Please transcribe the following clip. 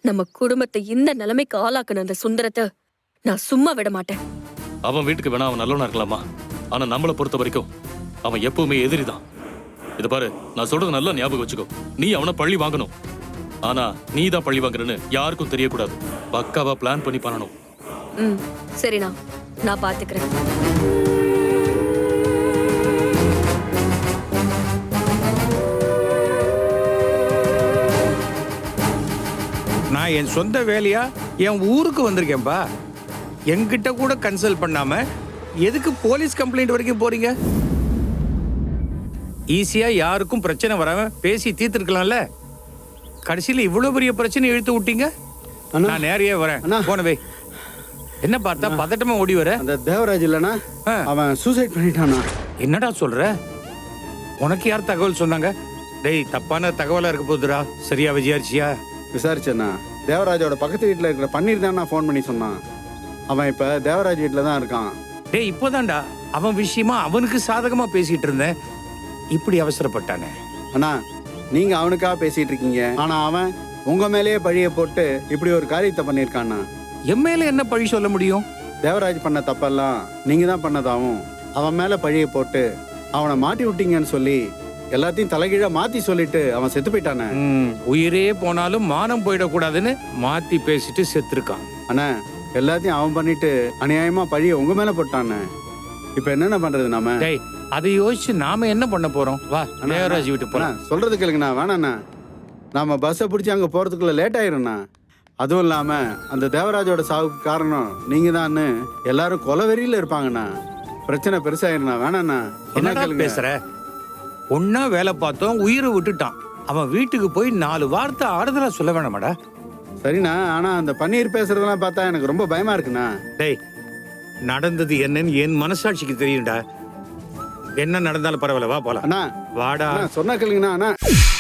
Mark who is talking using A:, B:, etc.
A: நம்ம குடும்பத்தை இந்த நிலைமைக்கு ஆளாக்குன அந்த சுந்தரத்தை நான் சும்மா விட மாட்டேன்.
B: அவன் வீட்டுக்கு வேணா அவன் நல்லவனா இருக்கலாமா, ஆனா நம்மளை பொறுத்த வரைக்கும் அவன் எப்பவுமே எதிரிதான். இது பாரு, நான் சொல்றது நல்லா ஞாபகம் வச்சுக்கோ. நீ அவனை பழி வாங்கணும், ஆனா நீ தான் பழி வாங்குறன்னு யாருக்கும் தெரியக்கூடாது. பக்காவா பிளான் பண்ணி பண்ணணும்.
A: சரிண்ணா, நான் பாத்துக்கிறேன்.
C: நான் என் சொந்த வேலையா என் ஊருக்கு வந்திருக்கேன்பா. என்கிட்ட கூட கன்சல்ட் பண்ணாம எதுக்கு போலீஸ் கம்ப்ளைண்ட் வரைக்கும் போறீங்க? ஈஸியா யாருக்கும் பிரச்சனை வராம பேசி தீர்த்துருக்கலாம்ல. கடைசியில இவ்வளவு பெரிய பிரச்சனை இழுத்து விட்டீங்க. நான் நேரையே வரேன். போனவே என்ன பார்த்தா பதட்டமா ஓடி வர?
D: அந்த தேவராஜ் இல்லனா அவன் சூசைட் பண்ணிட்டானா?
C: என்னடா சொல்ற? உனக்கு யார் தகவல் சொன்னாங்க? டேய், தப்பான தகவலா இருக்க போதுடா. சரியா விஜயாரிச்சியா?
D: விசாரிச்சேண்ணா. தேவராஜோட பக்கத்து வீட்டில் இருக்கிற பன்னீர் தான் நான் ஃபோன் பண்ணி சொன்னான். அவன் இப்போ தேவராஜ் வீட்டில் தான் இருக்கான்.
C: டேய், இப்போதான்டா அவன் விஷயமா அவனுக்கு சாதகமா பேசிட்டு இருந்தேன். இப்படி அவசரப்பட்டானே.
D: அண்ணா, நீங்க அவனுக்காக பேசிட்டு இருக்கீங்க, ஆனா அவன் உங்க மேலேயே பழிய போட்டு இப்படி ஒரு காரியத்தை பண்ணியிருக்கான்னா.
C: என் மேல என்ன பழி சொல்ல முடியும்?
D: தேவராஜ் பண்ண தப்பெல்லாம் நீங்க தான் பண்ணதாவும் அவன் மேல பழிய போட்டு அவனை மாட்டி விட்டீங்கன்னு சொல்லி எல்லாத்தையும் தலைகீழா மாத்தி சொல்லிட்டு அவன் செத்து போயிட்டானே.
C: உயிரே போனாலும் மானம் போயிடக்கூடாதுன்னு மாத்தி பேசிட்டு செத்துருக்கான்.
D: அண்ணா, எல்லாத்தையும் அவன் பண்ணிட்டு அநியாயமா பழிய உங்க மேல போட்டானே. இப்ப என்னென்ன பண்றது நாம?
C: டேய், அதை யோசிச்சு நாம என்ன பண்ண போறோம்? வா, தேவராஜ் வீட்டு போலாம்.
D: சொல்றது கேளுங்கண்ணா. வேணாண்ணா, நாம பஸ்ஸை பிடிச்சி அங்க போறதுக்குள்ள லேட் ஆயிரும்ண்ணா. அதுவும் இல்லாம அந்த தேவராஜோட சாவுக்கு காரணம் நீங்க தான் எல்லாரும் கொலவெறியில இருப்பாங்கண்ணா. பிரச்சனை பெருசாயிருண்ணா. வேணாண்ணா.
C: என்ன பேசுற? ஒன்னா வேலை பார்த்தோம், உயிரை விட்டுட்டான். அவன் வீட்டுக்கு போய் 4 வார்த்தை ஆறுதலா சொல்ல வேணாமாடா?
D: சரிண்ணா, ஆனா அந்த பன்னீர் பேசுறதெல்லாம் பார்த்தா எனக்கு ரொம்ப பயமா இருக்குண்ணா.
C: டேய், நடந்தது என்னன்னு என் மனசாட்சிக்கு தெரியும்டா. என்ன நடந்தாலும் பரவாயில்ல, வா போலாம்.
D: அண்ணா
C: வாடா.
D: சொன்னா கேளுங்கண்ணா. அண்ணா